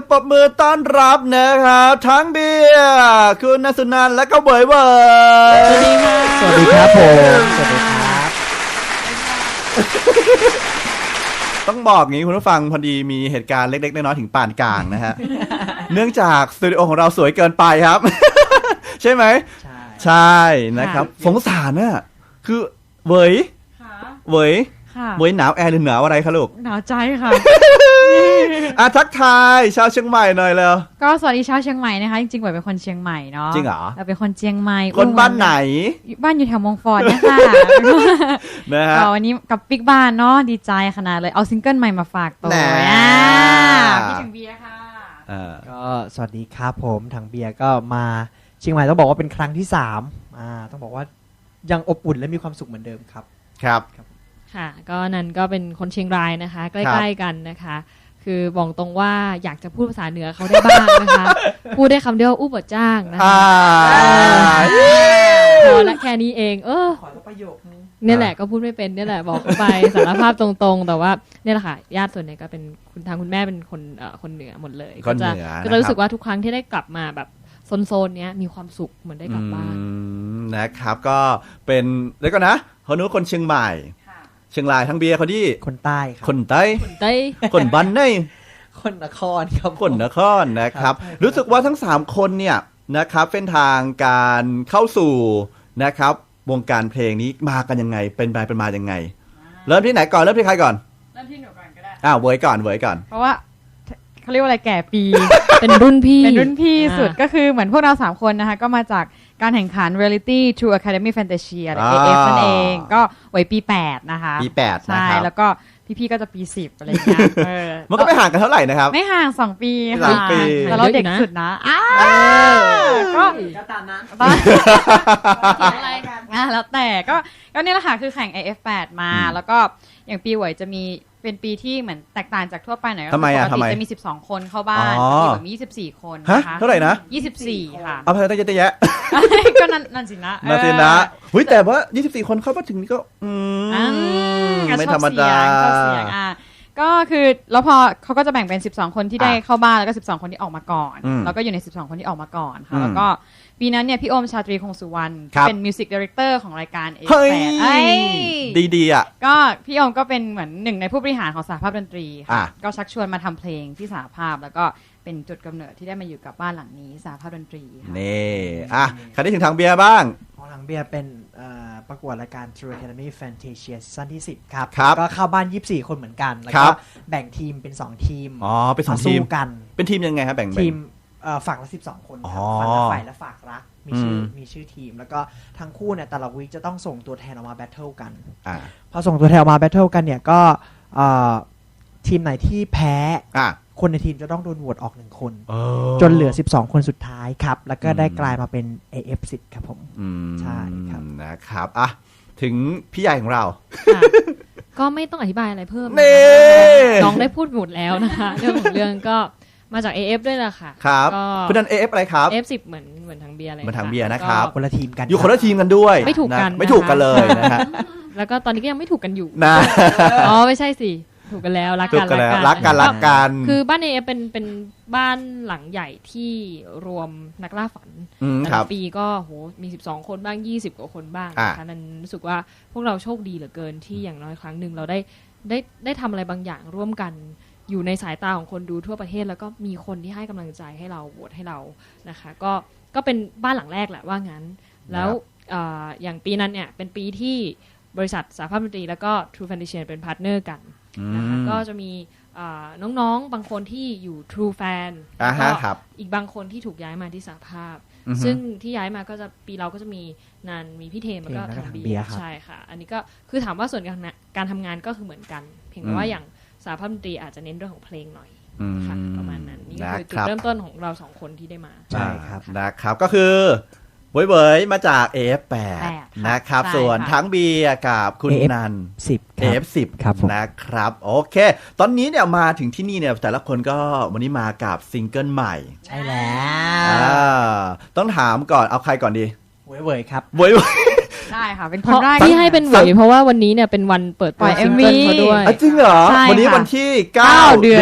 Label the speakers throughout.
Speaker 1: ปรบมือต้อนรับนะครับทั้งเบียร์คุณณสุนันท์และก็เบยเบย
Speaker 2: สวัสดีค่ะ
Speaker 3: สวัสดีครับผมสวัสดีครับ
Speaker 1: ต้องบอกงี้คุณผู้ฟังพอดีมีเหตุการณ์เล็กๆน้อยๆถึงปานกลางนะฮะ เนื่องจากสตูดิโอของเราสวยเกินไปครับ ใช่ไหมใช่นะครับสงสารน่ะคือเวยเวยเวยหนาวแอร์หรือหนาวอะไรคะลูก
Speaker 2: หนาวใจค่ะ
Speaker 1: ทักทายชาวเชียงใหม่หน่อยแล้ว
Speaker 2: ก็สวัสดีชาวเชียงใหม่นะคะจริงๆบ่อยเป็นคนเชียงใหม่เนาะ
Speaker 1: จริงเหรอ
Speaker 2: เราเป็นคนเชียงใหม่
Speaker 1: คนบ้านไหน
Speaker 2: บ้านอยู่แถวมงฟอร์ดเนี่ยค่ะ
Speaker 1: นะฮะ
Speaker 2: ก็วันนี้กับปิ๊กบ้านเนาะดีใจขนาดเลยเอาซิงเกิลใหม่มาฝากตัว
Speaker 1: แหน่
Speaker 2: พี่ถึงเบียร์ค่ะ
Speaker 3: ก็สวัสดีครับผมถังเบียร์ก็มาเชียงใหม่ต้องบอกว่าเป็นครั้งที่3ต้องบอกว่ายังอบอุ่นและมีความสุขเหมือนเดิมครับ
Speaker 1: ครับ
Speaker 4: ค่ะก็นันก็เป็นคนเชียงรายนะคะใกล้ๆกันนะคะ คือบอกตรงว่าอยากจะพูดภาษาเหนือเขาได้บ้างนะคะ พูดได้คำเดียวอู้บดจ้างนะคะพอละแค่นี้เอง
Speaker 3: ขอประโยคนึง
Speaker 4: เนี่ยแหละก็พูดไม่เป็นเนี่ยแหละบอกเขาไปสารภาพตรงๆแต่ว่าเนี่ยแหละค่ะญาติส่วนใหญ่ก็เป็นคุณแม่เป็นคนเหนือหมดเลย
Speaker 1: คนเหนือ
Speaker 4: ก็จะรู้สึกว่าทุกครั้งที่ได้กลับมาแบบโซนเนี้ยมีความสุขเหมือนได้กลับบ้าน
Speaker 1: นะครับก็เป็นแล้วก็นะคนนู้นคนเชียงใหม่เชียงรายทั้งเบียร์เขาที่
Speaker 3: คนใต้ครับ
Speaker 1: คนใต้
Speaker 4: ได้
Speaker 1: คนบ้านใน
Speaker 3: คนนครครับ
Speaker 1: คนนครนะครับ
Speaker 3: ครับ
Speaker 1: รู้สึกว่าทั้ง3คนเนี่ยนะครับเส้นทางการเข้าสู่นะครับวงการเพลงนี้มากันยังไงเป็นไปเป็นมายังไง เริ่มที่ไหนก่อนเริ่มที่ใครก่อน
Speaker 2: เริ่มที่หนูก่อนก็ได้
Speaker 1: เวยก่อนเวยก่อน
Speaker 2: เพราะว่าเขาเรียกว่าอะไรแก่ปี
Speaker 4: เป็นรุ่นพี่
Speaker 2: เป็นรุ่นพี่สุดก็คือเหมือนพวกเรา3คนนะคะก็มาจากการแข่งขัน Reality True Academy Fantasia หรือ AF นั่นเองก็ไว้ปี8นะคะ
Speaker 1: ปี8นะ
Speaker 2: ใช่
Speaker 1: ครับ
Speaker 2: แล้วก็พี่ๆก็จะปี10อะไรอย่างเงี้ย
Speaker 1: มันก็ไม่ห่างกันเท่าไหร่นะครับ
Speaker 2: ไม่ห่าง2 ปี
Speaker 1: สอ
Speaker 2: ค่ะ
Speaker 1: งปี
Speaker 2: แต่เราเด็กสุดนะก็
Speaker 3: ตามนะ
Speaker 2: แล้วแต่ก็นี่แหละค่ะคือแข่ง AF8 มาแล้วก็อย่างปีหวยจะมีเป็นปีที่เหมือนแตกต่างจากทั่วไปหน่อยก็
Speaker 1: ทำไม
Speaker 2: ป
Speaker 1: อ่ะ
Speaker 2: ก
Speaker 1: ทำ
Speaker 2: ติ
Speaker 1: ไม
Speaker 2: จะมี12 คนเข้าบ้าน
Speaker 1: อ๋อ
Speaker 2: ปีแบบมี24 คน
Speaker 1: ฮะ
Speaker 2: นะคะ
Speaker 1: เท่าไหร่นะ
Speaker 2: 24 ค่ะ
Speaker 1: เอาไปตั้งเยอะแยะ
Speaker 2: ก็นั่นสินะ
Speaker 1: นาทีนะหุ้ยแต่ว่า24 คนเข้ามาถึงนี่ก็ไม่ธรรมดา
Speaker 2: ชอบเสียงก็คือแล้วพอเขาก็จะแบ่งเป็น12 คนที่ได้เข้าบ้านแล้วก็12 คนที่ออกมาก่อนแล้วก็อยู่ใน12 คนที่ออกมาก่อนค่ะแล้วก็ปีนั้นเนี่ยพี่โอมชาตรีคงสุวรรณเป็นมิวสิกดีเรคเตอร์ของรายการ
Speaker 1: เฮ้ย
Speaker 2: A8
Speaker 1: ดีๆอ่ะ
Speaker 2: ก็พี่โอมก็เป็นเหมือนหนึ่งในผู้บริหารของสหภาพดนตรี
Speaker 1: อ่ะ
Speaker 2: ค่ะก็ชักชวนมาทำเพลงที่สหภาพแล้วก็เป็นจุดกำเนิดที่ได้มาอยู่กับบ้านหลังนี้สหภาพดนตรีค่ะ
Speaker 1: นี่ใครได้ถึงทางเบียร์บ้าง
Speaker 3: ของถังเบียร์เป็นประกวดรายการ True Academy Fantasia ซีซั่นที่10ครับ
Speaker 1: ครับ
Speaker 3: ก็เข้าบ้าน24 คนเหมือนกันแล้ว
Speaker 1: ครั
Speaker 3: ก็
Speaker 1: บ
Speaker 3: แบ่งทีมเป็น2ทีม
Speaker 1: อ๋อเป็นสอง
Speaker 3: มา
Speaker 1: ที
Speaker 3: สู้
Speaker 1: ม
Speaker 3: กัน
Speaker 1: เป็นทีมยังไงครับแบ่ง
Speaker 3: ทีมฝั่งละ12 คนครับ
Speaker 1: อ๋อ
Speaker 3: ฝั่งละฝ่ายและฝากรักมีชื่อทีม แล้วก็ทั้งคู่เนี่ยแต่ละวีคจะต้องส่งตัวแทนออกมาแบทเทิลกัน พอส่งตัวแทนออกมาแบทเทิลกันเนี่ยก็ทีมไหนที่แพ้คนในทีมจะต้องโดนโหวตออก1 คนจนเหลือ12 คนสุดท้ายครับแล้วก็ได้กลายมาเป็น AF10 ครับผมใช่ครับ
Speaker 1: นะครับถึงพี่ใหญ่ของเรา
Speaker 4: ค่ะก็ไม่ต้องอธิบายอะไรเพิ่ม
Speaker 1: นี่
Speaker 4: น้องได้พูดหมดแล้วนะคะ เรื่องของเรื่องก็มาจาก AF ด้วยแหละค่ะ
Speaker 1: ครับ
Speaker 4: ก็
Speaker 1: คุณนัน AF อะไรครับ
Speaker 4: AF10 เหมือนทางเบียร์เลย
Speaker 1: เหมือนทางเบียร์นะครับ
Speaker 3: คนละทีมกัน
Speaker 1: อยู่คนละทีมกันด้วย
Speaker 4: ไม่ถูกกัน
Speaker 1: ไม่ถูกกันเลยนะฮะ
Speaker 4: แล้วก็ตอนนี้ก็ยังไม่ถูกกันอยู่
Speaker 1: นะ
Speaker 4: อ๋อไม่ใช่สิถูกกันแล้วรัก
Speaker 1: ถู
Speaker 4: กั
Speaker 1: ก
Speaker 4: น
Speaker 1: กันแล้ว
Speaker 4: รั
Speaker 1: รั
Speaker 4: ก
Speaker 1: ก
Speaker 4: กั
Speaker 1: กัน นรักกัน
Speaker 4: คือบ้าน AF เป็นบ้านหลังใหญ่ที่รวมนักล่าฝัน แต่
Speaker 1: ครั
Speaker 4: ละ
Speaker 1: บ
Speaker 4: ปีก็โหมี12 คนบ้าง20 กว่าคนบ้าง
Speaker 1: อ่ะ
Speaker 4: นะคะนั้นรู้สึกว่าพวกเราโชคดีเหลือเกินที่อย่างน้อยครั้งหนึ่งเราได้ทำอะไรบางอย่างร่วมกันอยู่ในสายตาของคนดูทั่วประเทศแล้วก็มีคนที่ให้กำลังใจให้เราโหวตให้เรานะคะก็เป็นบ้านหลังแรกแหละว่างั้น แล้วอย่างปีนั้นเนี่ยเป็นปีที่บริษัทสหภาพดนตรีแล้วก็ True Fantasia เป็นพาร์ทเนอร์กันนะคะก็จะมีน้องๆบางคนที่อยู่ True Fan แล้วก็
Speaker 1: ครับ
Speaker 4: อีกบางคนที่ถูกย้ายมาที่สหภาพ ซึ่งที่ย้ายมาก็จะปีเราก็จะมีนันมีพี่เทมแล้วก็ทางเบียร์ใช่ค่ะอันนี้ก็คือถามว่าส่วนการทำงานก็คือเหมือนกัน เพียงแต่ว่าอย่างสหภาพดนตรีอาจจะเน้นเรื่องของเพลงหน่อยค่ะประมาณนั้นนี่ก็คือจุดเริ่มต้นของเรา2 คนที่ได้มา
Speaker 3: ใช่ครับ
Speaker 1: นะครับก็คือเบยมาจาก AF8 นะครับส่วนทั้งเบียร์กับคุณนัน
Speaker 3: 10
Speaker 1: AF10
Speaker 3: ครับผม
Speaker 1: นะครับโอเค ตอนนี้เนี่ยมาถึงที่นี่เนี่ยแต่ละคนก็วันนี้มากับซิงเกิลใหม่
Speaker 3: ใช่แล้ว
Speaker 1: ต้องถามก่อนเอาใครก่อนดี
Speaker 3: เว่ยครับ
Speaker 1: เว้ย
Speaker 2: ได้ค่ะเป็นค
Speaker 4: เพ
Speaker 2: น
Speaker 4: ราะ
Speaker 2: แรก
Speaker 4: ที่ให้เป็นเหวยเพราะว่าวันนี้เนี่ยเป็นวันเปิด
Speaker 2: ปล่
Speaker 4: ตัว
Speaker 2: อย
Speaker 4: ซิง
Speaker 2: MV
Speaker 4: เกิลเขาด้วย
Speaker 1: จริงเหรอ
Speaker 2: ใช่
Speaker 1: วันนี้
Speaker 2: ค่ะ
Speaker 1: วันที่
Speaker 2: 9
Speaker 1: 9
Speaker 2: เดือน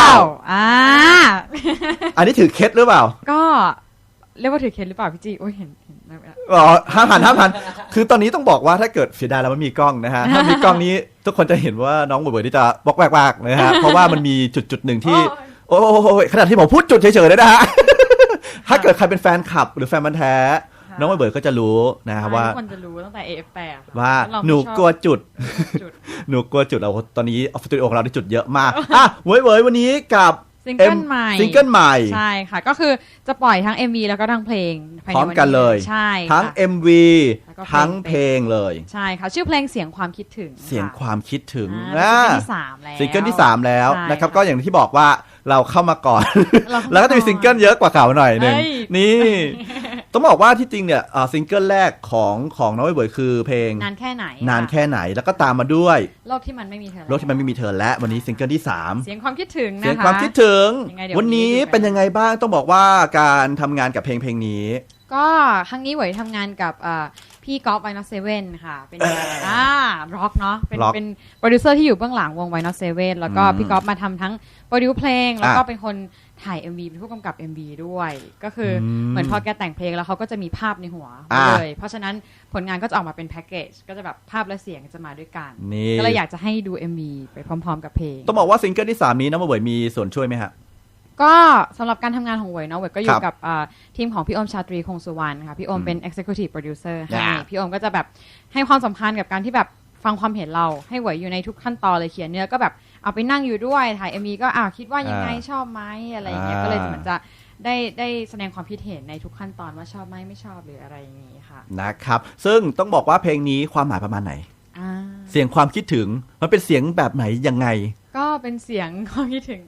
Speaker 2: 9อ่า
Speaker 1: อันนี้ถือเคล็ดหรือเปล่า
Speaker 2: ก็เรียกว่าถือเคสหรือเปล่าพี่จีโอ้ยเห็นไม่เป็นไร
Speaker 1: อ๋อห้ามหันคือตอนนี้ต้องบอกว่าถ้าเกิดเสียดายแล้วมันมีกล้องนะฮะ ถ้ามีกล้องนี้ทุกคนจะเห็นว่าน้องเบย์ที่จะบอกแวกๆนะฮะ เพราะว่ามันมีจุดหนึ่งที่ โอ้โหขนาดที่ผมพูดจุดเฉยๆเลยนะฮะ ถ้าเกิดใครเป็นแฟนคลับหรือแฟนบันธุ์แท้ น้องเบย์ก็จะรู้นะครับว่า
Speaker 2: ทุกคนจะรู้ตั้งแต่ AF8
Speaker 1: ว่า
Speaker 2: เรไม่
Speaker 1: หนู
Speaker 2: ชอบ
Speaker 1: กลัวจุด
Speaker 2: จุด
Speaker 1: หนูกลัวจุดเราตอนนี้ออฟฟิศของเราได้จุดเยอะมากอ่ะเว้ยวันนี้กับ
Speaker 2: ซิงเกิลใหม่
Speaker 1: ซิงเกิลใหม่
Speaker 2: ใช่ค่ะ ก็คือจะปล่อยทั้ง MV แล้วก็ทั้งเพลงภายใน
Speaker 1: พร้อมกันเลย
Speaker 2: ใช่
Speaker 1: ทั้ง
Speaker 2: ค่ะ
Speaker 1: MV
Speaker 2: แล้วก็เพลง
Speaker 1: ทั้งเพลงเลย
Speaker 2: ใช่ค่ะ ชื่อเพลงเสียงความคิดถึง
Speaker 1: เสียงความคิดถึง
Speaker 2: อ่าเป็นซิงเกิลที่ 3 แล้ว
Speaker 1: ซิงเกิลที่ 3 แล้ว
Speaker 2: ใช่
Speaker 1: นะครับ
Speaker 2: ค่ะ
Speaker 1: ก็อย่างที่บอกว่าเราเข้ามาก่อน
Speaker 2: เราเข้ามา
Speaker 1: แล้วก็จะมีซิงเกิลเยอะกว่าเก่าหน่อยหนึ่ง
Speaker 2: เอ้ย
Speaker 1: นี่ ต้องบอกว่าที่จริงเนี่ยซิงเกิลแรกของน้องเบย์คือเพลง
Speaker 2: นานแค่ไหน
Speaker 1: นาน
Speaker 2: ค่ะ
Speaker 1: แค่ไหนแล้วก็ตามมาด้วย
Speaker 2: โลกที่มันไม่มีเธอ
Speaker 1: รถที่มันไม่มีเธอและวันนี้ซิงเกิลที่ 3
Speaker 2: เสียงความคิดถึงนะคะ
Speaker 1: เสียงความคิดถึง
Speaker 2: ยังไงเดี๋ยว
Speaker 1: วันนี้
Speaker 2: ดูกัน
Speaker 1: เป็นยังไงบ้างต้องบอกว่าการทำงานกับเพลงนี้
Speaker 2: ก็ครั้งนี้เหวยทำงานกับพี่ก๊อฟไวน์เซเว่นค่ะ เป็นร็อกเนาะเป็น
Speaker 1: Rock
Speaker 2: เป็นโปรดิวเซอร์ที่อยู่เบื้องหลังวงไวน์เซเว่นแล้วก็
Speaker 1: อืม
Speaker 2: พี่ก๊อฟมาทำทั้งโปรดิวเพลง แล้วก็
Speaker 1: อ่ะ
Speaker 2: เป็นคนถ่าย MV เป็นผู้กำกับ MV ด้วย ก็คืออ
Speaker 1: ม
Speaker 2: เหมือนพอแกแต่งเพลงแล้วเขาก็จะมีภาพในหัว
Speaker 1: อ่ะ
Speaker 2: เลย เพราะฉะนั้นผลงานก็จะออกมาเป็นแพ็กเกจก็จะแบบภาพและเสียงจะมาด้วยกัน
Speaker 1: นี่
Speaker 2: ก็เลยอยากจะให้ดู MV ไปพร้อมๆกับเพลง
Speaker 1: ต้องบอกว่าซิงเกิลที่ 3 นี้น้องเบย์มีส่วนช่วยไหมฮะ
Speaker 2: ก็สำหรับการทำงานของเหวยเนาะเหวยก็อยู่
Speaker 1: ครับ
Speaker 2: กับทีมของพี่โอมชาตรีคงสุวรรณค่ะพี่โอมเป็น Executive Producer ให้
Speaker 1: อ่า
Speaker 2: พี่โอมก็จะแบบให้ความสำคัญกับการที่แบบฟังความเห็นเราให้เหวยอยู่ในทุกขั้นตอนเลยเขียนเนื้อก็แบบเอาไปนั่งอยู่ด้วยถ่าย MV ก็คิดว่ายังไงชอบไหมอะไรอย่างเงี้ยก็เลยเหมือนจะได้แสดงความคิดเห็นในทุกขั้นตอนว่าชอบไหมไม่ชอบหรืออะไรอย่างงี้ค่ะ
Speaker 1: นะครับซึ่งต้องบอกว่าเพลงนี้ความหมายประมาณไหน
Speaker 2: อ่า
Speaker 1: เสียงความคิดถึงมันเป็นเสียงแบบไหนยังไง
Speaker 2: ก็เป็นเสียงความคิดถึง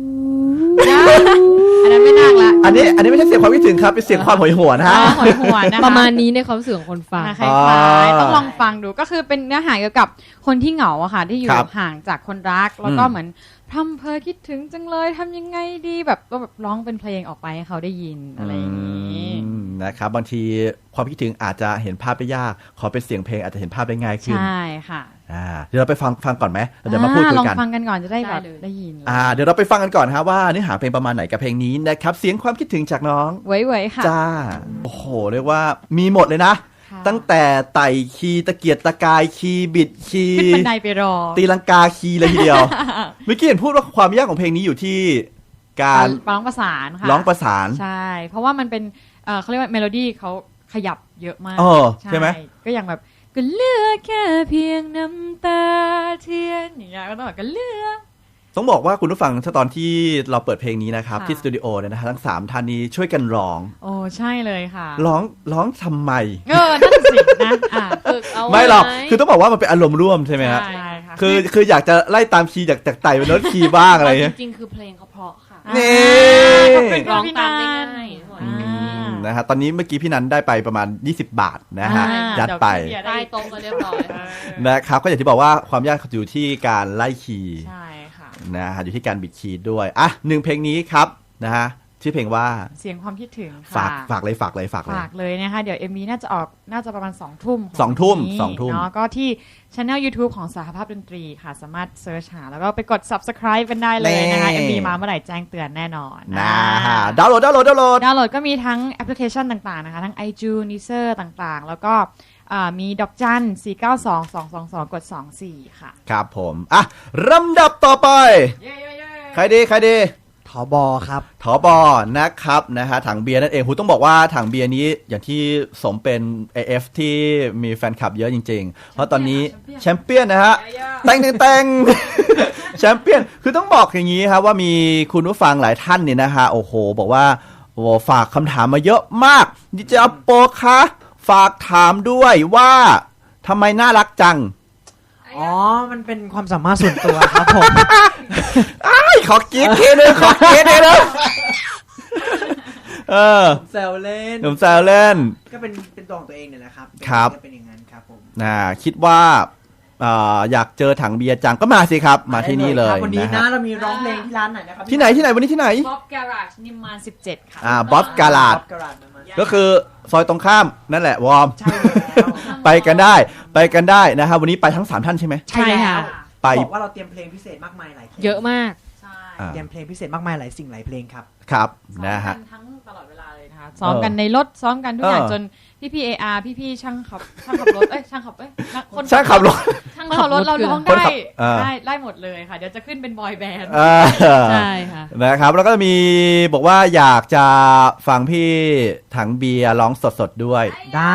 Speaker 2: อันนั้นไม่น่าละ
Speaker 1: อันนี้ไม่ใช่เสียงความคิดถึงครับเป็นเสียงความโหยหวนนะฮะ
Speaker 2: หอยหวนนะคะ
Speaker 4: ประมาณนี้ในความรู้สึกของคนฟัง
Speaker 2: คล้ายๆต้องลองฟังดูก็คือเป็นเนื้อหาเกี่ยวกับคนที่เหงาอะค่ะที่อยู่
Speaker 1: ครับ
Speaker 2: ห่างจากคนรัก แล้วก็
Speaker 1: อืม
Speaker 2: เหมือนพร่ำเพอคิดถึงจังเลยทำยังไงดีแบบก็แบบร้องเป็นเพลงออกไปให้เขาได้ยินอะไรอย่างนี้
Speaker 1: นะครับบางทีความคิดถึงอาจจะเห็นภาพได้ยากขอเป็นเสียงเพลงอาจจะเห็นภาพได้ง่ายขึ้น
Speaker 2: ใช่ค่ะ
Speaker 1: เดี๋ยวเราไปฟังก่อนไหมแล้วเดี๋ยวมาพูดคุย
Speaker 2: ลอง
Speaker 1: กัน
Speaker 2: ฟังกันก่อนจะได้แบบ
Speaker 4: ได้เลย
Speaker 2: ได้ยิน
Speaker 1: เดี๋ยวเราไปฟังกันก่อนครับว่าเนื้อหาเพลงประมาณไหนกับเพลงนี้นะครับเสียงความคิดถึงจากน้อง
Speaker 2: เว้ยๆค่ะ
Speaker 1: จ้าโอ้โหเรียกว่ามีหมดเลยนะ
Speaker 2: ค่ะ
Speaker 1: ตั้งแต่ไต่คีย์ตะเกียกตะกายคีย์บิดคี
Speaker 2: ขึ้น
Speaker 1: ย์
Speaker 2: บันไดไปรอ
Speaker 1: ตีลังกาคีย์เลยทีเดียว เมื่อกี้เห็นพูดว่าความยากของเพลงนี้อยู่ที่การ
Speaker 2: ร้องประสานค่ะ
Speaker 1: ร้องประสาน
Speaker 2: ใช่ เพราะว่ามันเป็นเขาเรียกว่าเมโลดี้เขาขยับเยอะมาก
Speaker 1: ใช่ไหม
Speaker 2: ก็อย่างแบบก็เลือกแค่เพียงน้ำตาเทียนอย่างเงี้ยก็ต้องแบบก็เลือก
Speaker 1: ต้องบอกว่าคุณผู้ฟังถ้าตอนที่เราเปิดเพลงนี้นะครับ
Speaker 2: ค่ะ
Speaker 1: ที่สตูดิโอเนี่ยนะฮะทั้ง3ท่านนี้ช่วยกันร้อง
Speaker 2: โอ้ใช่เลยค่ะ
Speaker 1: ร้องทำไม
Speaker 2: นั่นสินะ
Speaker 4: ฝึกเอาไว้
Speaker 1: ไม่หรอกคือต้องบอกว่ามันเป็นอารมณ์ร่วมใช่ไหมฮะ
Speaker 2: ใช่ค่ะ
Speaker 1: คืออยากจะไล่ตามคีย์จากไต่เป็นโน้ตคีย์บ้างอะไร
Speaker 4: จ
Speaker 1: เงี้ย
Speaker 4: ริงๆคือเพลงเขาเพราะค่ะ
Speaker 1: นี่
Speaker 2: ขอบคุณ
Speaker 4: ร้
Speaker 2: ค่ะ
Speaker 4: อง
Speaker 2: พี่
Speaker 4: ตาม
Speaker 2: นั
Speaker 4: ได้
Speaker 2: น
Speaker 4: ง่าย
Speaker 1: อืมนะฮะตอนนี้เมื่อกี้พี่นันได้ไปประมาณ20 บาทนะฮะ ยัดไป
Speaker 2: เยว
Speaker 4: ใต้โต๊ะก็เรียบร้อย
Speaker 1: นะครับก็อย่างที่บอกว่าความยากอยู่ที่การไล่คีย์
Speaker 2: ใช่ค่ะ
Speaker 1: นะฮะอยู่ที่การบิดคีย์ด้วยอ่ะ1เพลงนี้ครับนะฮะชื่อเพลงว่า
Speaker 2: เสียงความคิดถึง
Speaker 1: ฝา
Speaker 2: ค่ะ
Speaker 1: กเลยฝากเลย
Speaker 2: ฝากเลยนะคะเดี๋ยว MV น่าจะออกน่าจะประมาณ2 ทุ่มของ
Speaker 1: 2 ทุ่ม
Speaker 2: วันนี้
Speaker 1: 2 ทุ่ม
Speaker 2: เนาะก็ที่ช anel YouTube ของสหภาพดนตรีค่ะ สามารถเซิร์ชหาแล้วก็ไปกด subscribe กันได้เลยนะคะ MV มาเมื่อไหร่แจ้งเตือนแน่นอน
Speaker 1: นะฮะดาวน์โหลด
Speaker 2: ดาวน์โหลดก็มีทั้งแอปพลิเคชันต่างๆนะคะ ทั้ง iTunes Deezer ต่างๆ แล้วก็มีดอกจัน 492-222 กด 24 ค่ะ
Speaker 1: ครับผมอ่ะลำดับต่อไป ใครดี
Speaker 3: ทบครับ
Speaker 1: ถบนะครับนะฮะถังเบียร์นั่นเองหูต้องบอกว่าถังเบียร์นี้อย่างที่สมเป็น AF ที่มีแฟนคลับเยอะจริงๆ เพราะตอนนี้แชมเปี้ยนนะฮะแต่ง แชมเปี้ยนคือต้องบอกอย่างนี้ครับว่ามีคุณผู้ฟังหลายท่านเนี่ยนะฮะโอ้โหบอกว่าโอ้ฝากคำถามมาเยอะมากดิเจอโปคะฝากถามด้วยว่าทำไมน่ารักจัง
Speaker 3: อ๋อ มันเป็นความสามารถส่วนตัวครับผม
Speaker 1: ขอกีดทีนึงขอกีดทีนึง
Speaker 3: แซวเล่น
Speaker 1: หนุ่มแซวเล่น
Speaker 3: ก็เป็นตัวของตัวเองเนี่ยแหละครับ
Speaker 1: ครับ
Speaker 3: ก็เป็นอย่างนั้นครับผม
Speaker 1: คิดว่าอยากเจอถังเบียร์จังก็มาสิครับ มาที่นี่เลย
Speaker 3: วันนี้
Speaker 1: นะ
Speaker 3: นะ
Speaker 1: ฮะ
Speaker 3: เรามีร้องเพลงที่ร้านไหนนะครับ
Speaker 1: ที่ไหนวันนี้ที่ไหน
Speaker 2: Bob Garage นิมมาน17 ค่ะ
Speaker 1: บ๊อบกาลาด
Speaker 3: บ๊อบการาดมา
Speaker 1: ก็คือซอยตรงข้ามนั่นแหละวอร์ม
Speaker 3: ใช่แล้ว
Speaker 1: ไปกันได้นะครับวันนี้ไปทั้ง3ท่านใช่ไหม
Speaker 4: ใช่ค่ะ
Speaker 1: ไป
Speaker 3: บอกว่าเราเตรียมเพลงพิเศษมากมายหลายเพลง
Speaker 4: เยอะมาก
Speaker 2: ใช่
Speaker 1: อ่า
Speaker 3: เตรียมเพลงพิเศษมากมายหลายสิ่งหลายเพลงครับ
Speaker 1: ครับ
Speaker 2: ซ้อม
Speaker 1: นะฮะ
Speaker 2: กันทั้งตลอดเวลาเลยนะคะซ้อมกันในรถซ้อมกันทุกอย่าง
Speaker 1: เออ
Speaker 2: จนพี่ๆ AR พี่ๆช่างขับรถช่างขับคน
Speaker 1: ช่างขับรถ
Speaker 2: ช่างขับรถเราร้อง
Speaker 1: คน
Speaker 2: ได้
Speaker 1: ขับอ่า
Speaker 2: ได้หมดเลยค่ะ เดี๋ยวจะขึ้นเป็นบอยแบนด์
Speaker 4: ใช่ค่ะ
Speaker 1: นะครับแล้วก็มีบอกว่าอยากจะฟังพี่ถังเบียร์ร้องสดๆด้วย
Speaker 3: ได้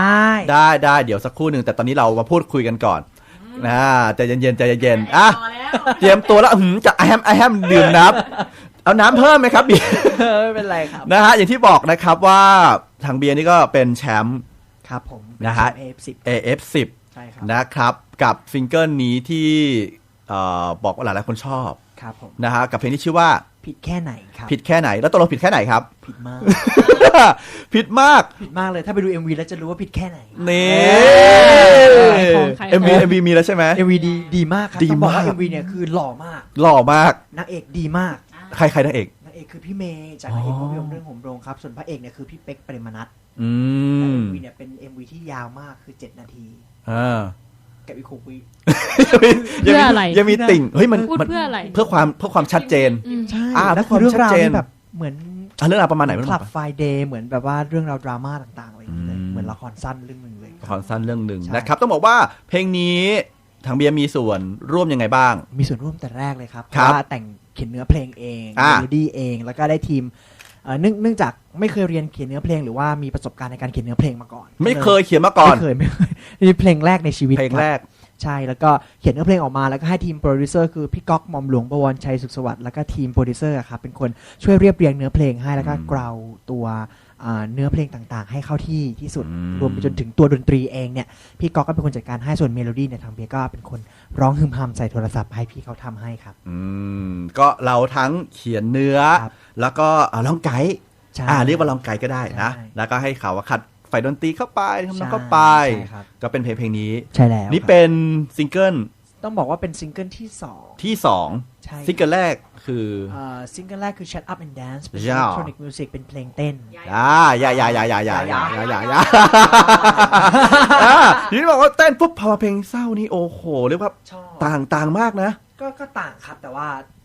Speaker 1: ได้เดี๋ยวสักครู่หนึ่งแต่ตอนนี้เรามาพูดคุยกันก่อนนะใจเย็นๆอ่ะ
Speaker 2: ต่อแล้ว
Speaker 1: เตรียมตัวแล้วจะไอแฮมดื่มน้ำเอาน้ำเพิ่มไหมครับเบียร์
Speaker 3: ไม่เป็นไรครับ
Speaker 1: นะฮะอย่างที่บอกนะครับว่าถังเบียร์นี่ก็เป็นแชมป์
Speaker 3: ครับผม
Speaker 1: นะฮะ
Speaker 3: AF10
Speaker 1: AF10
Speaker 3: ใช่ครับ
Speaker 1: นะครับกับซิงเกิลนี้ที่บอกว่าหลายๆคนชอบ
Speaker 3: ครับผม
Speaker 1: นะฮะกับเพลงที่ชื่อว่า
Speaker 3: ผิดแค่ไหนครับ
Speaker 1: ผิดแค่ไหนแล้วตกลงผิดแค่ไหนครับ
Speaker 3: ผิดมาก
Speaker 1: ผิดมาก
Speaker 3: ผิดมากเลยถ้าไปดู MV แล้วจะรู้ว่าผิดแค่ไหน
Speaker 1: นี่
Speaker 4: ขายของ
Speaker 1: MV มีแล้วใช่ไหม
Speaker 3: MV ดีมากครับ
Speaker 1: ดี
Speaker 3: ต้องบอกว่า
Speaker 1: มาก
Speaker 3: MV เนี่ยคือหล่อมาก
Speaker 1: หล่อมาก
Speaker 3: นางเอกดีมาก
Speaker 1: ใครนางเอก
Speaker 3: นางเอกคือพี่เมย์จากนางเอกภาพยนตร์เรื่องโหมโรงครับส่วนพระเอกเนี่ยคือพี่เป๊กปริมนัท
Speaker 1: อื
Speaker 3: และ
Speaker 1: ม
Speaker 3: MV เนี่ยเป็น MV ที่ยาวมากคือ7นาที
Speaker 1: อ่า
Speaker 3: กับอีก6วิ
Speaker 4: เพื่ออะไร
Speaker 1: ยังมีติ่งเฮ้ยมัน
Speaker 4: พูดเพื่ออะไร
Speaker 1: เพื่อความชัดเจน
Speaker 3: ใช่
Speaker 1: เพื่
Speaker 3: แล้
Speaker 1: อ
Speaker 3: ว
Speaker 1: ค
Speaker 3: คื
Speaker 1: วาม
Speaker 3: อเรื่อง
Speaker 1: ชัด
Speaker 3: ราว
Speaker 1: เจน
Speaker 3: ที่แบบเหมือน
Speaker 1: เรื่องราวประมาณไหน
Speaker 3: ค
Speaker 1: บ้าง
Speaker 3: ลับไฟเดย์เหมือนแบบว่าเรื่องราวดราม่าต่างๆอะไรอย่างเงี้ยเลย
Speaker 1: อืม
Speaker 3: เหมือนละครสั้นเรื่องหนึ่งเลย
Speaker 1: ละครสั้นเรื่องหนึ่ง
Speaker 3: ใช่
Speaker 1: นะครับต้องบอกว่าเพลงนี้ทางเบียร์มีส่วนร่วมยังไงบ้าง
Speaker 3: มีส่วนร่วมแต่แรกเลยครับเพ
Speaker 1: ครับ
Speaker 3: ราะว่าแต่งเขียนเนื้อเพลงเอง
Speaker 1: อ่า
Speaker 3: เมโลดี้เองแล้วก็ได้ทีมเนื่องจากไม่เคยเรียนเขียนเนื้อเพลงหรือว่ามีประสบการณ์ในการเขียนเนื้อเพลงมาก่อน
Speaker 1: ไม่เคยเขียนมาก่อน
Speaker 3: ไม่เคยนี่เพลงแรกในชีวิต
Speaker 1: เพลง
Speaker 3: ครับ
Speaker 1: แรก
Speaker 3: ใช่แล้วก็เขียนเนื้อเพลงออกมาแล้วก็ให้ทีมโปรดิวเซอร์คือพี่ก๊อกหม่อมหลวงบวรชัยสุขสวัสดิ์แล้วก็ทีมโปรดิวเซอร์อะครับเป็นคนช่วยเรียบเรียงเนื้อเพลงให้แล้วก็เกลาตัวเนื้อเพลงต่างๆ ให้เข้าที่สุด
Speaker 1: อืม
Speaker 3: รวมไปจนถึงตัวดนตรีเองเนี่ยพี่ก๊อกก็เป็นคนจัดการให้ส่วนเมโลดี้เนี่ยทางเบียร์ก็เป็นคนร้องฮึมฮัมใส่โทรศัพท์ให้พี่เขาทำให้ครับ
Speaker 1: ก็เราทั้งเขียนเนื้อ
Speaker 3: ครับ
Speaker 1: แล้วก็ร้องไกด์
Speaker 3: ใช่
Speaker 1: เรียกว่าร้องไกด์ก็ได้นะ
Speaker 3: ใช่
Speaker 1: แล้วก็ให้เขาว่าขัดไฟดนตรีเข้าไปทำนอง
Speaker 3: ใช่
Speaker 1: เข้าไป
Speaker 3: ใช่ครับ
Speaker 1: ก็เป็นเพลงนี้
Speaker 3: ใช่แล้ว
Speaker 1: นี่
Speaker 3: ครับ
Speaker 1: เป็นซิงเกิล
Speaker 3: ต้องบอกว่าเป็นซิงเกิลที่สอง
Speaker 1: ที่
Speaker 3: ใช่
Speaker 1: 2ซิงเกิลแรกคือ
Speaker 3: ซิงเกิลแรกคือ Shut Up and Dance เป็น
Speaker 1: ยาว
Speaker 3: electronic music เป็นเพลงเต้น
Speaker 1: ทีนี้บอกว่าเต้นปุ๊บพอเพลงเศร้านี่โอ้โหเรียกว่า
Speaker 3: ชอบ
Speaker 1: ต่างมากนะ
Speaker 3: ก็ต่างครับแต่ว่า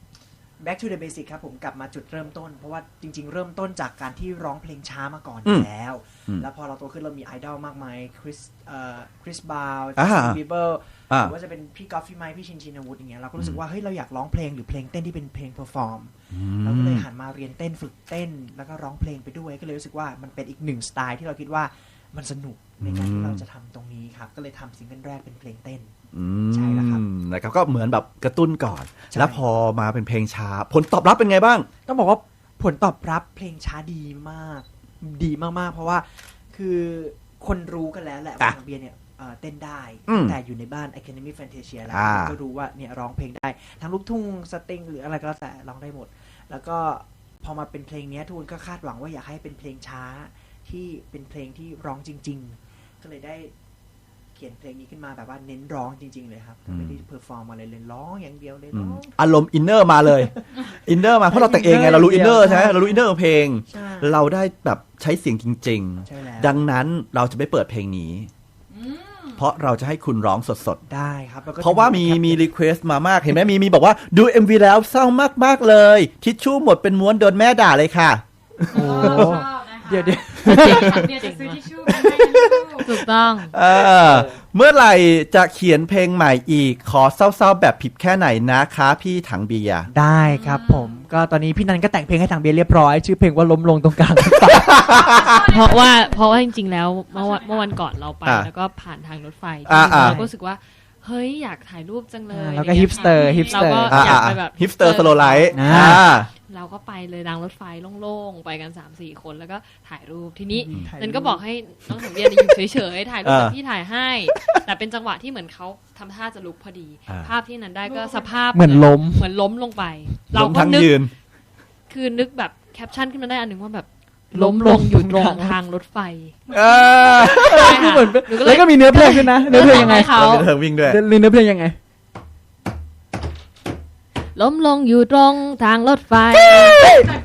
Speaker 3: back to the basic ครับผมกลับมาจุดเริ่มต้น เพราะว่าจริง ๆ เริ่มต้นจากการที่ร้องเพลงช้ามาก่อนอยู่แล้ว แล้วพอเราโตขึ้นเรามีไอดอลมากมายคริสบาว
Speaker 1: อ่า
Speaker 3: จัสตินบีเบอร์ห
Speaker 1: อ่า
Speaker 3: รือว่าจะเป็นพี่กอล์ฟฟี่ไมค์พี่ชินชินวุฒิอย่างเงี้ยเราก็รู้สึกว่าเฮ้ยเราอยากร้องเพลงหรือเพลงเต้นที่เป็นเพลงเพอร์ฟอร์มเราก็เลยหันมาเรียนเต้นฝึกเต้น แล้วก็ร้องเพลงไปด้วยก็เลยรู้สึกว่ามันเป็นอีกหนึ่งสไตล์ที่เราคิดว่ามันสนุกในการที่เราจะทำตรงนี้ครับก็เลยทำซิงเกิลแรกเป็นเพลงเต้น ใช่แล้วครับ
Speaker 1: นะครับก็เหมือนแบบกระตุ้นก่อน
Speaker 3: ใช่
Speaker 1: แล้วพอมาเป็นเพลงช้า ผลตอบรับเป็นไงบ้าง
Speaker 3: ต้องบอกว่าผลตอบรับเพลงช้าดีมากดีมากๆ เพราะว่าคือคนรู้กันแล้วแหละว่าทางเบียร์เนี่ยเต้นได้
Speaker 1: อืม
Speaker 3: แต่อยู่ในบ้าน Academy Fantasia แล้ว
Speaker 1: อ่า
Speaker 3: ก็รู้ว่าเนี่ยร้องเพลงได้ทั้งลูกทุ่งสตริงหรืออะไรก็แล้วแต่ร้องได้หมด แล้วก็พอมาเป็นเพลงเนี้ยทุกคนก็คาดหวังว่าอยากให้เป็นเพลงช้าที่เป็นเพลงที่ร้องจริง ๆ ก็เลยได้เขียนเพลงนี้ขึ้นมาแบบว่าเน้นร้องจริง ๆ เลยครับไม่ได้เพอร์ฟอร์มอะไรเลยร้องอย่างเดียวเลยร้อง
Speaker 1: อารมณ์อินเนอร์มาเลย อินเนอร์มาเพราะเราแต่งเองไงเรารู้อินเนอร์ใช่ไหมเรารู้อินเนอร์ของเพลง
Speaker 3: ใช่
Speaker 1: เราได้แบบใช้เสียงจริง
Speaker 3: ใช่แล้ว
Speaker 1: ๆ ดังนั้นเราจะไม่เปิดเพลงนี้ เพราะเราจะให้คุณร้องสด
Speaker 3: ได้ครับแล้วก็
Speaker 1: ๆ เพราะว่ามี
Speaker 3: จะ
Speaker 1: รีเควสต์มามากเห็นไหมมีบอกว่าดู MV แล้วเศร้ามากๆเลยทิชชู่หมดเป็นม้วนโดนแม่ด่าเลยค่ะ
Speaker 3: โอ้เดี๋ยว
Speaker 2: เบียร์จะซื้อทิชชู่มาให้ลูก
Speaker 4: ถูกต้อง
Speaker 1: เมื่อไหร่จะเขียนเพลงใหม่อีก ขอเศร้าๆแบบผิดแค่ไหนนะคะพี่ถังเบียร์
Speaker 3: ได้ครับผมก็ตอนนี้พี่นันก็แต่งเพลงให้ทางเบียร์เรียบร้อยชื่อเพลงว่าล้มลงตรงกลาง
Speaker 4: เพราะว่าจริงๆแล้วเมื่อวันก่อนเราไปแล้วก็ผ่านทางรถไฟเราก็รู้สึกว่าเฮ้ยอยากถ่ายรูปจังเลย
Speaker 3: แล้วก็ฮิปสเตอร์
Speaker 4: เราก็อยากไปแบบ
Speaker 1: ฮิปสเตอร์สโลไลท์
Speaker 4: เราก็ไปเลยรางรถไฟโล่งๆไปกัน 3-4 คนแล้วก็ถ่ายรูปทีนี้
Speaker 3: ถ่ายรูป
Speaker 4: นันก็บอกให้น้องสังเวียนอยู่เฉยๆถ่ายรูปกับพี่ถ่ายให้ แต่เป็นจังหวะที่เหมือนเขาทำท่าจะลุกพอดี ภาพที่นันได้ก็สภาพ
Speaker 3: เหมือนล้ม
Speaker 4: ลงไป
Speaker 1: เรา
Speaker 4: เราก็
Speaker 1: ทั้ง
Speaker 4: นึก
Speaker 1: ยืน
Speaker 4: คือนึกแบบแคปชั่นขึ้นมาได้อันหนึ่งว่าแบบล้มลงอยู่ตรงทางรถไฟ
Speaker 3: เหมือน
Speaker 4: หนูก็
Speaker 3: แล้วก็มีเนื้อเพลงด้วยนะเนื้อเพลงยังไง
Speaker 4: เขา
Speaker 1: เราเป็นเธอวิ่งด้วย
Speaker 3: เนื้อเพลงยังไง
Speaker 4: ล้มลงอยู่ตรงทางรถไฟ
Speaker 3: เอ๊ะ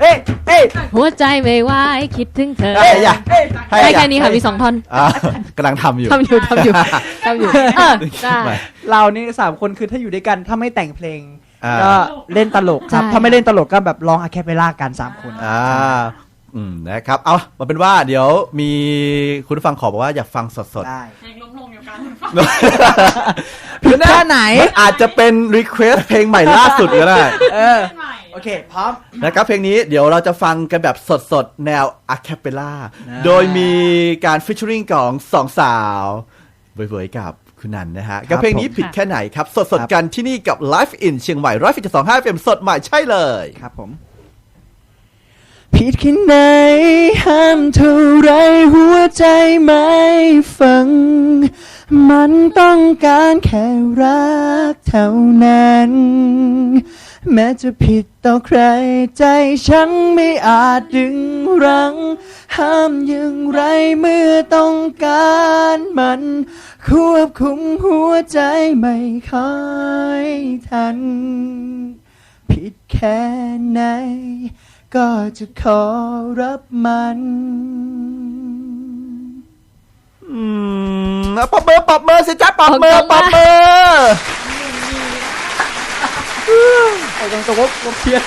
Speaker 4: หัวใจไม่ไหวคิดถึงเธอ
Speaker 1: เฮ้ยอย่า
Speaker 4: ได้แค่นี้ค่ะมี2 ท่อน
Speaker 1: อ่ะกำลังทำอยู่
Speaker 4: ทำอยู่ได้
Speaker 3: เรานี่3 คนคือถ้าอยู่ด้วยกันถ้าไม่แต่งเพลง
Speaker 1: อ่า
Speaker 3: ก็เล่นตลกครับ
Speaker 4: ใช่
Speaker 3: ถ้าไม่เล่นตลกก็แบบร้องอะแคปเปลล่ากัน3 คน
Speaker 1: นะครับเอามาเป็นว่าเดี๋ยวมีคุณผู้ฟังขอบอกว่าอยากฟังสด
Speaker 3: ได้
Speaker 2: เพลงล้มลงอยู่กัน
Speaker 1: ๆ
Speaker 3: ผิดแค่ไหน
Speaker 1: มันอาจจะเป็นรีเควสเพลงใหม่ล่าสุดก็ได้
Speaker 3: โอเค พร้อม
Speaker 1: นะครับเพลงนี้เดี๋ยวเราจะฟังกันแบบสดๆ แนวอะแคปเปล่า
Speaker 3: นะ
Speaker 1: โดยมีการฟิชเชอริงของ2 สาวเว่ยๆกับคุณนันนะฮะ กับเพลงนี้ผิดแค่ไหนครับ สดๆ กันที่นี่กับ Live in เชียงใหม่100.25 FM สดใหม่ใช่เลย
Speaker 3: ครับผม ผิดแค่ไหนห้ามเท่าไรหัวใจไม่ฟัง มันต้องการแค่รักเท่านั้น แม้จะผิดต่อใครใจฉันไม่อาจดึงรั้ง ห้ามอย่างไรเมื่อต้องการมันควบคุมหัวใจไม่ค่อยทัน ผิดแค่ไหนก็จะขอรับมัน
Speaker 1: ปอบมือสิจ๊ะปอบมือ
Speaker 3: เอาตรงๆว่าเพี้ยน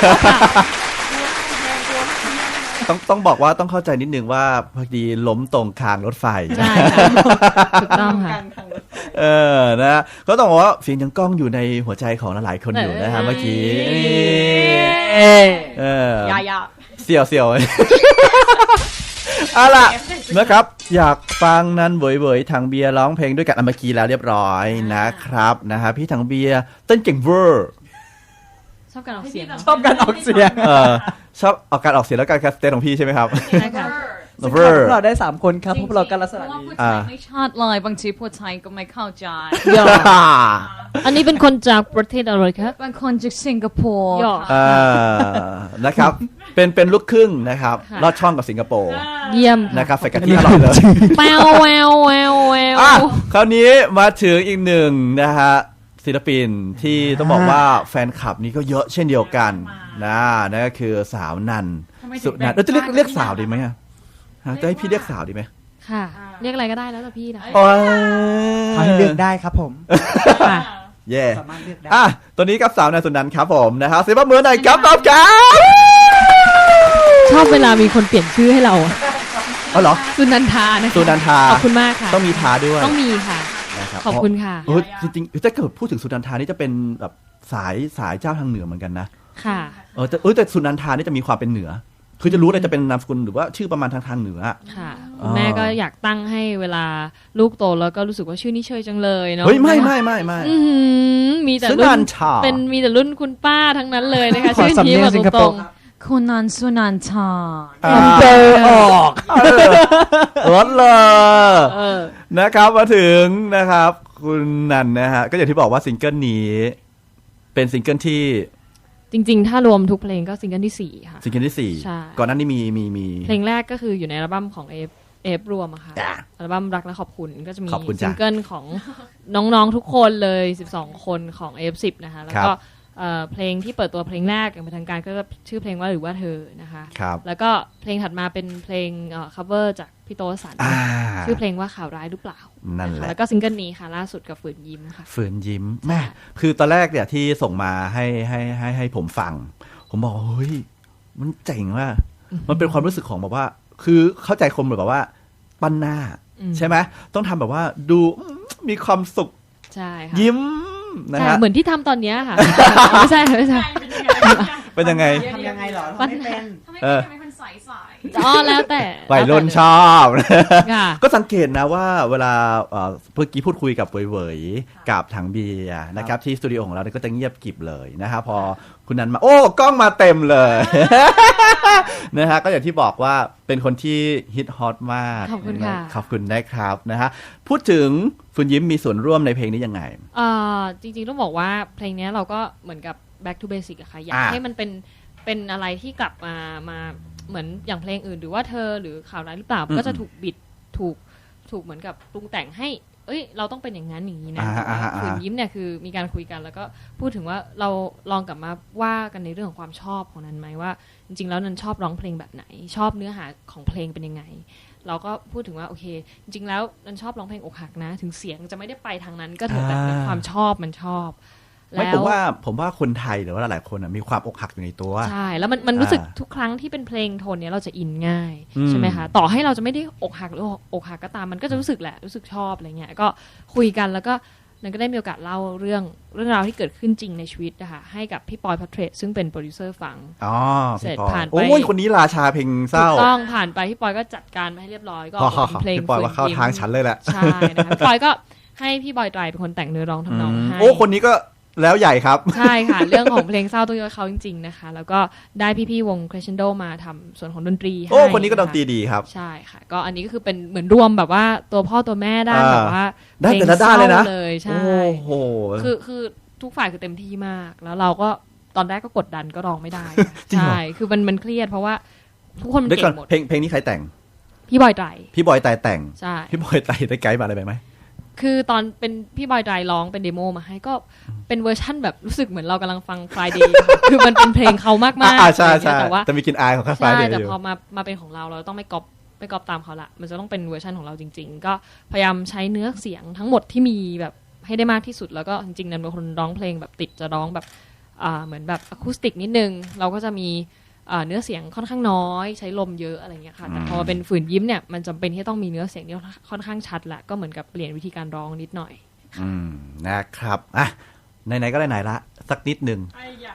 Speaker 1: ต้องบอกว่าต้องเข้าใจนิดนึงว่าพอดีล้มตรงคางรถไฟ
Speaker 4: ใช่ค่ะถูกต้องค่ะ
Speaker 1: นะก็ต้องบอกว่าเสียงยังก้องอยู่ในหัวใจของหลายๆคนอยู่นะฮะเมื่อกี้
Speaker 2: ยา
Speaker 1: เสี่ยวเอาล่ะนะครับอยากฟังนั้นเว่ยๆทางเบียร์ร้องเพลงด้วยกันเมื่อกี้แล้วเรียบร้อยนะครับนะฮะพี่ทางเบียร์เต้นเก่งเวอร์
Speaker 4: ชอบการออกเสียง
Speaker 3: ชอบการออกเสียง
Speaker 1: ชอบออกการออกเสียงและการแคสเตนของพี่ใช่ไหมครับ
Speaker 4: ใช่ค่ะ
Speaker 1: เวอร์
Speaker 3: เราได้3 คนครับเพราะเรากันลักษณะ
Speaker 2: เพราะว่า
Speaker 3: นี้
Speaker 2: พูดไทยไม่ชัดเลยบางทีพูดไทยก็ไม่เข้าใจ
Speaker 4: อันนี้เป็นคนจากประเทศอะไรคะ
Speaker 2: บางคนจากสิงคโปร์
Speaker 4: ย่อ
Speaker 2: ค่ะ
Speaker 1: นะครับเป็นลูกครึ่งนะครับ
Speaker 4: ค่ะ
Speaker 1: ลอดช่องกับสิงคโปร์
Speaker 4: เยี่ยม
Speaker 1: นะครับใส่กะทิอร่อยเลย
Speaker 4: แวว
Speaker 1: อ่ะคราวนี้มาถึงอีกหนึ่งนะฮะศิลปินที่ต้องบอกว่าแฟนคลับนี้ก็เยอะเช่นเดียวกันนั่นก็คือสาวนันสุนันจะเรียกสาวดีไหมอะจะให้พี่เรียกสาวดีไหม
Speaker 4: ค่ะ เรียกอะไรก็ได้แล้วแต่พี่นะ
Speaker 1: โอ้ย
Speaker 3: เขาให้เลือกได้ครับผม
Speaker 4: ค่ะ
Speaker 1: เย่
Speaker 3: สามารถเลือกได้
Speaker 1: อ่ะตัวนี้กับสาวนันสุนันครับผมนะครับเสียงปรบมือหน่อยครับครับ
Speaker 4: ชอบเวลามีคนเปลี่ยนชื่อให้เรา
Speaker 1: อ๋อเหรอ
Speaker 4: สุนันทานะคะ
Speaker 1: สุนันทา
Speaker 4: ขอบคุณมากค่ะ
Speaker 1: ต้องมีทาด้วย
Speaker 4: ต้องมีค่ะ
Speaker 1: นะครับ
Speaker 4: ขอบคุณค่ะ
Speaker 1: จริงๆถ้าเกิดพูดถึงสุนันทานี่จะเป็นแบบสายเจ้าทางเหนือเหมือนกันนะ
Speaker 4: ค่ะ
Speaker 1: แต่สุนันทานี่จะมีความเป็นเหนือ คือจะรู้เลยจะเป็นนามสกุลหรือว่าชื่อประมาณทางเหนือ
Speaker 4: ค่ะ
Speaker 1: อ๋อ
Speaker 4: แม่ก็อยากตั้งให้เวลาลูกโตแล้วก็รู้สึกว่าชื่อนี้เชยจังเลยเนาะ
Speaker 1: เฮ้ยไม่
Speaker 4: อื้อหือมีแต่
Speaker 1: สุ
Speaker 4: รุ่
Speaker 1: นั
Speaker 4: น
Speaker 1: นทา
Speaker 4: มีแต่รุ่นคุณป้าทั้งนั้นเลยนะคะ
Speaker 3: ขอ
Speaker 4: ชื่อ
Speaker 3: สำ
Speaker 4: นี้
Speaker 3: เนียง
Speaker 4: แบบ
Speaker 3: สิงค
Speaker 4: ต
Speaker 3: โป
Speaker 4: ร
Speaker 3: ร์
Speaker 4: ง
Speaker 3: ครับ
Speaker 2: คุณนันสุนันทา
Speaker 3: เตอร์ออก
Speaker 1: รถเลย
Speaker 4: เออ
Speaker 1: นะครับมาถึงนะครับ คุณนันนะฮะก็อย่างที่บอกว่าซิงเกิลนี้เป็นซิงเกิลที่
Speaker 4: จริงๆ ถ้ารวมทุกเพลงก็ซิงเกิลที่ 4 ค่ะ
Speaker 1: ซิงเกิลที่
Speaker 4: ใช่
Speaker 1: 4ก่อนหน้านี้มี
Speaker 4: เพลงแรกก็คืออยู่ในอัลบั้มของเอฟรวมอะค่ะ
Speaker 1: จ้ะ
Speaker 4: อัลบั้มรักและขอบคุณก็จะมี
Speaker 1: ขอบคุณจ้ะ
Speaker 4: ซิงเกิลของน้องๆทุกคนเลย 12 คนของ F10 นะคะแล้วก็
Speaker 1: ครับ
Speaker 4: เพลงที่เปิดตัวเพลงแรกอย่างเป็นทางการก็ชื่อเพลงว่าหรือว่าเธอนะคะ
Speaker 1: ครับ
Speaker 4: แล้วก็เพลงถัดมาเป็นเพลงcover จากพี่โตสัน ชื่อเพลงว่าข่าวร้ายหรือเปล่า
Speaker 1: นั่นแหละ
Speaker 4: แล้วก็ซิงเกิลนี้ค่ะล่าสุดกับฝืนยิ้มค่ะ
Speaker 1: ฝืนยิ้มแม่คือตอนแรกเนี่ยที่ส่งมาให้ผมฟัง ผมบอกเฮ้ยมันเจ๋งว่ะมันเป็นความรู้สึกของแบบว่า คือเข้าใจคนแบบว่าปั้นหน้า ใช่ไหมต้องทำแบบว่าดูมีความสุข
Speaker 4: ใช่ค่ะ
Speaker 1: ยิ้มนะ
Speaker 4: ใช่
Speaker 1: ฮะ
Speaker 4: เหมือนที่ทำตอนเนี้ยค่ะ ไม่ใช่
Speaker 1: เป็นยังไง
Speaker 3: ทำยังไงเหรอทำไม่เป็น
Speaker 2: ทำไม
Speaker 1: เออ
Speaker 2: ทำไมมันใส
Speaker 4: อ๋อแล้วแต่
Speaker 1: วัยรุ่นชอบ
Speaker 4: ค่ะ
Speaker 1: ก็สังเกตนะว่าเวลาเมื่อกี้พูดคุยกับเวยๆกับถังเบียร์นะครับที่สตูดิโอของเราเนี่ยก็จะเงียบกริบเลยนะฮะพอคุณนันมาโอ้กล้องมาเต็มเลย นะฮะก็อย่างที่บอกว่าเป็นคนที่ฮิตฮอตมาก
Speaker 4: ขอบคุณค่ะ
Speaker 1: ขอบคุณนะครับนะฮะพูดถึงคุณยิ้มมีส่วนร่วมในเพลงนี้ยังไง
Speaker 4: จริงๆต้องบอกว่าเพลงนี้เราก็เหมือนกับ back to basic อะค่ะอยาก
Speaker 1: อ่า
Speaker 4: ให้มันเป็นอะไรที่กลับมาเหมือนอย่างเพลงอื่นหรือว่าเธอหรือข่าวร้ายหรือเปล่าก็จะถูกบิดถูกเหมือนกับปรุงแต่งให้เอ้ยเราต้องเป็นอย่างนั้นอย่างนี้นะฝืนยิ้มเนี่ยคือมีการคุยกันแล้วก็พูดถึงว่าเราลองกลับมาว่ากันในเรื่องของความชอบของนั้นไหมว่าจริงๆแล้วนันชอบร้องเพลงแบบไหนชอบเนื้อหาของเพลงเป็นยังไงเราก็พูดถึงว่าโอเคจริงๆแล้วนันชอบร้องเพลงอกหักนะถึงเสียงจะไม่ได้ไปทางนั้นก็เถอะแต่ความชอบมันชอบ
Speaker 1: ไม่ผมว่าคนไทยหรือว่าหลายคนมีความอกหักอยู่ในตัว
Speaker 4: ใช่แล้วมันรู้สึกทุกครั้งที่เป็นเพลงโทนนี้เราจะอินง่ายใช่ไหมคะต่อให้เราจะไม่ได้อกหักหรืออกหักก็ตามมันก็จะรู้สึกแหละรู้สึกชอบอะไรเงี้ยก็คุยกันแล้วก็นันก็ได้มีโอกาสเล่าเรื่องราวที่เกิดขึ้นจริงในชีวิตนะคะให้กับพี่ปอยพัทเทรซึ่งเป็นโปรดิวเซอร์ฟังเสร็จผ่านไป
Speaker 1: โอ้ยคนนี้ราชาเพลงเศร้า
Speaker 4: ต้องผ่านไปพี่ปอยก็จัดการมาให้เรียบร้อยก็เป็นเพลง
Speaker 1: พี่ปอยว่าเข้าทางฉันเลยแหละ
Speaker 4: ใช่นะคะพี่ปอยก็ให้พี่บอยไตรเป็นคนแต่งเนื้อร้องทำนองให้
Speaker 1: โอ้คนนี้ก็แล้วใหญ่ครับ
Speaker 4: ใช่ค่ะเรื่องของเพลงเศร้าต้องยกเขาจริงๆนะคะแล้วก็ได้พี่ๆวง Crescendo มาทำส่วนของดนตรีให้
Speaker 1: โอ้คนนี้ก็ดนตรีดีครับ
Speaker 4: ใช่ค่ะก็อันนี้ก็คือเป็นเหมือนรวมแบบว่าตัวพ่อตัวแม่ด้านแบบว่า
Speaker 1: ได้แต่ละด้านเลยนะ
Speaker 4: เลยใช่
Speaker 1: โอ้โห
Speaker 4: คือทุกฝ่ายคือเต็มที่มากแล้วเราก็ตอนแรกก็กดดันก็ร้องไม่ได้ใช่คือมันเครียดเพราะว่าทุกคนมันเก่งหมด
Speaker 1: เพลงนี้ใครแต่ง
Speaker 4: พี่บอยไตร
Speaker 1: แต่ง
Speaker 4: ใช่
Speaker 1: พี่บอยไตรได้ไกด์มาอะไรไปไหม
Speaker 4: คือตอนเป็นพี่บอยไตรร้องเป็นเดโมมาให้ก็เป็นเวอร์ชั่นแบบรู้สึกเหมือนเรากำลังฟัง Friday คือมันเป็นเพลงเขามากๆ
Speaker 1: ใช่แต่มีกลิ่นอายของ Friday
Speaker 4: แต่พอมาเป็นของเราต้องไม่ก๊อปตามเขาละมันจะต้องเป็นเวอร์ชันของเราจริงๆก็พยายามใช้เนื้อเสียงทั้งหมดที่มีแบบให้ได้มากที่สุดแล้วก็จริงๆนั้นเป็นคนร้องเพลงแบบติดจะร้องแบบเหมือนแบบอะคูสติกนิดนึงเราก็จะมีเนื้อเสียงค่อนข้างน้อยใช้ลมเยอะอะไรเงี้ยค่ะแต่พอเป็นฝืนยิ้มเนี่ยมันจำเป็นที่ต้องมีเนื้อเสียงที่ค่อนข้างชัดละก็เหมือนกับเปลี่ยนวิธีการร้องนิดหน่อย
Speaker 1: นะครับอ่ะไหนๆก็ไหนๆละสักนิดนึง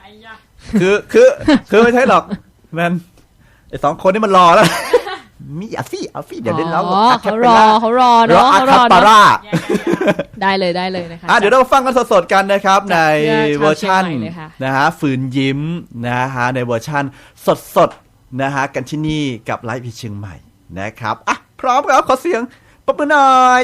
Speaker 1: คือไม่ใช่หรอกมันไอ้สองคนนี่มันรอแล้วมีเอาฟี่เดี๋ยวเล่นแล้ว
Speaker 4: เขารอเนาะเขารอได้เลยนะคะ
Speaker 1: เดี๋ยวเราฟังกันสดๆกันนะครับในเวอร์ชันนะฮะฝืนยิ้มนะฮะในเวอร์ชันสดๆนะฮะกันที่นี่กับไลฟ์พีเชียงใหม่นะครับอ่ะพร้อมครับขอเสียงปรบมือหน่อย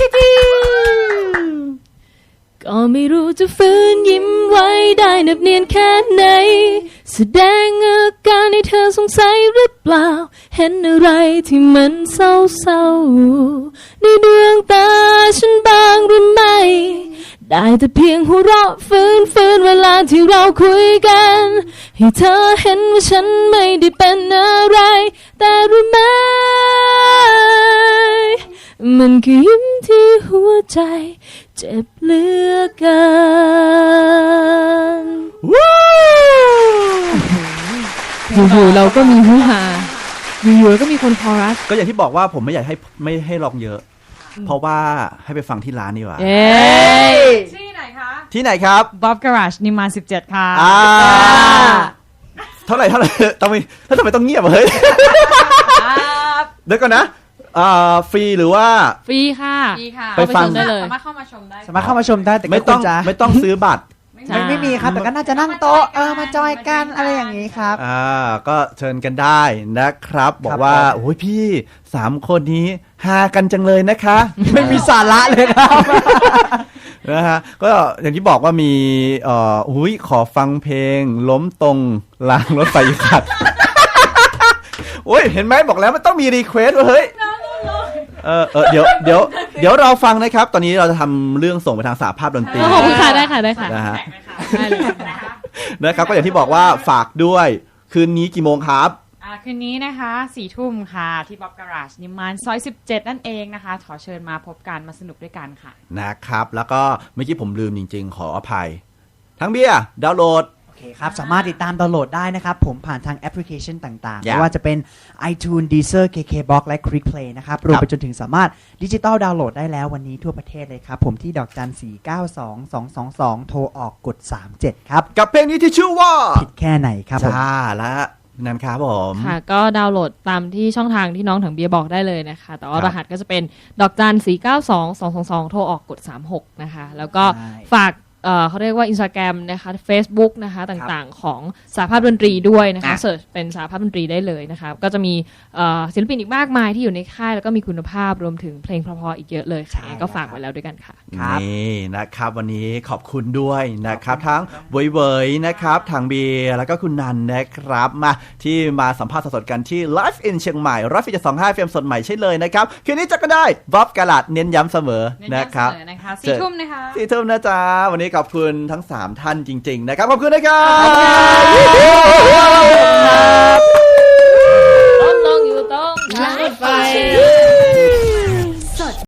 Speaker 4: ก็ไม่รู้จะฝืนยิ้มไว้ได้นับเนียนแค่ไหนแสดงอาการให้เธอสงสัยหรือเปล่าเห็นอะไรที่มันเศร้าๆในดวงตาฉันบ้างหรือไม่ได้แต่เพียงหัวเราะฟื้นเวลาที่เราคุยกันให้เธอเห็นว่าฉันไม่ได้เป็นอะไรแต่รู้ไหมมันคือยิ้มที่หัวใจเจ็บเหลือเกินอยู่ๆเราก็มีฮือฮาอยู่ๆก็มีคนคอรัส
Speaker 1: ก็อย่างที่บอกว่าผมไม่อยากให้ร้องเยอะเพราะว่าให้ไปฟังที่ร้านดีกว่า
Speaker 2: ที่ไหนคะ
Speaker 1: ที่ไหนครับ
Speaker 2: Bob Garage นิมมาน17ค่ะ
Speaker 1: เท่าไหร่ทำไมต้องเงียบเฮ้ยเดี๋ยวก่อนนะฟรีหรือว่า
Speaker 4: ฟรีค่ะ
Speaker 1: ไปฟัง
Speaker 2: ได้เลยสามารถเข้ามาชมได้
Speaker 3: แต่
Speaker 1: ไม่ต้องซื้อบัตร
Speaker 3: ไม่มีครับแต่ก็น่าจะนั่งโต๊ะมาจอยกันอะไรอย่างนี้ครับ
Speaker 1: ก็เชิญกันได้นะครับบอกว่าโอ้ยพี่3คนนี้ฮากันจังเลยนะคะ
Speaker 3: ไม่มีสาระเลยครับ
Speaker 1: นะฮะก็อย่างที่บอกว่ามีขอฟังเพลงล้มตรงรางรถไฟขัดโอ้ยเห็นไหมบอกแล้วมันต้องมีรีเควสต์เฮ้ยเดี๋ยวเราฟังนะครับตอนนี้เราจะทำเรื่องส่งไปทางสหภาพดนตรี
Speaker 4: ขอบคุณค่ะได้ค่ะ
Speaker 1: นะฮะนะครับก็อย่างที่บอกว่าฝากด้วยคืนนี้กี่โมงครับ
Speaker 2: คืนนี้นะคะ4 ทุ่มค่ะที่ Bob Garage นิมมานซอย17นั่นเองนะคะขอเชิญมาพบกันมาสนุกด้วยกันค่ะ
Speaker 1: นะครับแล้วก็เมื่อกี้ผมลืมจริงๆขออภัยทั้งเบียร์ดาวน์โหลด
Speaker 3: โอเคครับสามารถติดตามดาวน์โหลดได้นะครับผมผ่านทางแอปพลิเคชันต่างๆไม่ว่าจะเป็น iTunes Deezer KKBox และ Click Play นะครับรวมไปจนถึงสามารถดิจิตอลดาวน์โหลดได้แล้ววันนี้ทั่วประเทศเลยครับผมที่ดอกจัน 4922222 โทรออกกด37ครับ
Speaker 1: กับเพลงนี้ที่ชื่อว่า
Speaker 3: ผิดแค่ไหนครับผม
Speaker 1: และนั่นครับผม
Speaker 4: ค่ะก็ดาวน์โหลดตามที่ช่องทางที่น้องถังเบียร์บอกได้เลยนะคะแต่ว่ารหัสก็จะเป็นดอกจัน 4922222 โทรออกกด36นะคะแล้วก็ฝากเขาเรียกว่า Instagram นะคะ Facebook นะคะต่างๆของสหภาพดนตรีด้วยนะคะเสิร์ชเป็นสหภาพดนตรีได้เลยนะคะก็จะมีศิลปินอีกมากมายที่อยู่ในค่ายแล้วก็มีคุณภาพรวมถึงเพลงเพราะๆอีกเยอะเลยค่ะก็ฝากไว้แล้วด้วยกันค่ะ
Speaker 1: นี่นะครับวันนี้ขอบคุณด้วยนะครับทั้งเวยๆนะครับทางเบียร์แล้วก็คุณนันนะครับมาที่มาสัมภาษณ์สดๆกันที่ Live in เชียงใหม่104.25 FM สดใหม่ใช่เลยนะครับคืนนี้จะกันได้บ๊อบกาลาดเน้นย้ำเสมอนะครับ
Speaker 2: 4 ทุ่มนะคะ
Speaker 1: 4 ทุ่มนะจ๊ะวันนี้ขอบคุณทั้ง3ท่านจริงๆนะครับขอบคุณนะครับ
Speaker 4: ต้องลงอยู่ตรงทางรถไฟ